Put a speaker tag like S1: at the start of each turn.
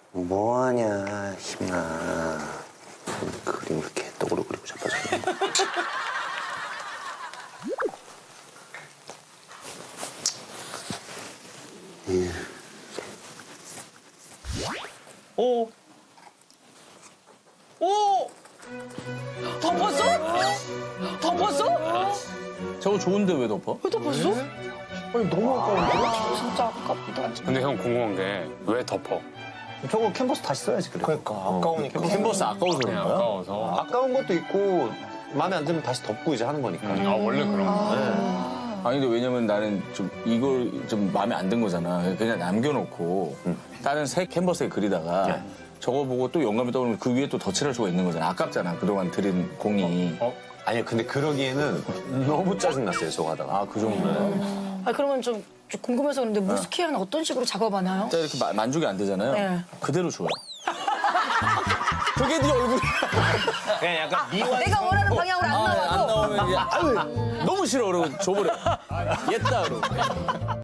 S1: 뭐하냐, 힘나. 그림 이렇게 떡으로 그리고 자빠졌네.
S2: 오. 오. 덮었어? 덮었어?
S3: 저거 좋은데 왜 덮어?
S2: 왜 덮었어?
S4: 아니 너무 아까운데?
S2: 진짜 아깝다.
S5: 근데 형 궁금한 게 왜 덮어?
S4: 저거 캔버스 다시 써야지 그래. 그러니까 아까우니까.
S3: 캔버스 아까워서 그런 거야?
S5: 아까워서.
S4: 아까운 것도 있고 마음에 안 들면 다시 덮고 이제 하는 거니까.
S5: 아 원래 그런 거.
S3: 아니 근데 왜냐면 나는 좀 이걸 좀 마음에 안 든 거잖아. 그냥 남겨놓고 다른 새 캔버스에 그리다가 저거 보고 또 영감이 떠오르면 그 위에 또 덧칠할 수가 있는 거잖아. 아깝잖아. 그동안 들인 공이.
S4: 아니요 근데 그러기에는 너무 짜증났어요 저거 하다가.
S3: 아, 그 정도야.
S2: 아 그러면 좀 궁금해서 그런데 무스키아는 어떤 식으로 작업하나요?
S3: 진짜 이렇게 만족이 안 되잖아요.
S2: 네.
S3: 그대로 줘요. 그게 네 얼굴이야.
S4: 그냥 약간 미완.
S2: 내가 원하는 방향으로 안 나와도
S3: 안 나오면 이제 아유 너무 싫어 그러고 줘버려. 옛다 그러고.